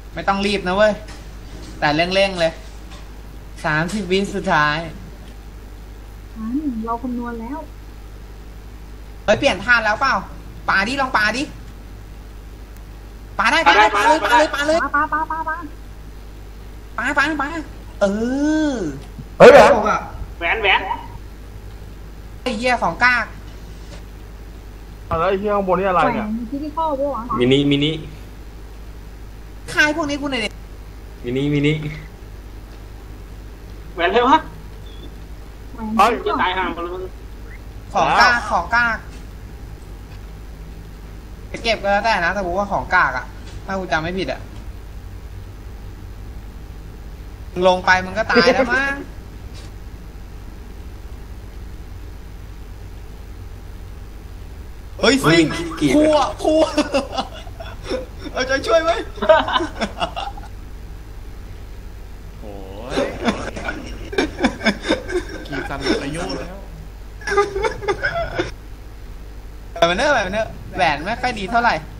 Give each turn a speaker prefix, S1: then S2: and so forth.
S1: ไม่ต้องรีบนะเว้ยแต่เร่งๆเลย30 วิสุดท้าย
S2: เราคำนวณแล้ว
S1: เฮ้ยเปลี่ยนท่าแล้วเปล่าปาดิลองปาดิปาได้ปาเลยปาเลยปาเลย
S2: ปา
S1: ปาเออ
S3: เฮ้ยแหวน
S4: แหวน
S1: ไอ้เหี้ยของกาก
S3: อะไรไอ้เหี้ยข้างบนนี่อะไรเนี่ย
S2: ที่ที่ข้อปะวะ
S5: มินิ
S1: คายพวกนี้กูหน่อยดิ
S5: มินิ
S4: แหวนเลยวะ
S3: เฮ้ย
S4: จะตายห่างกันเลย
S1: ของกากจะเก็บก็แล้วแต่นะแต่กูว่าของกากอะถ้ากูจำไม่ผิดอะลงไปมึงก็ตายแล้วมั้งเฮ้ยซิ่งพัวเอาใจช่วยไหม
S6: โอ้ยกีซันหมดอายุแล้ว
S1: แบบเนอร์แหวนไม่ค่อยดีเท่าไหร่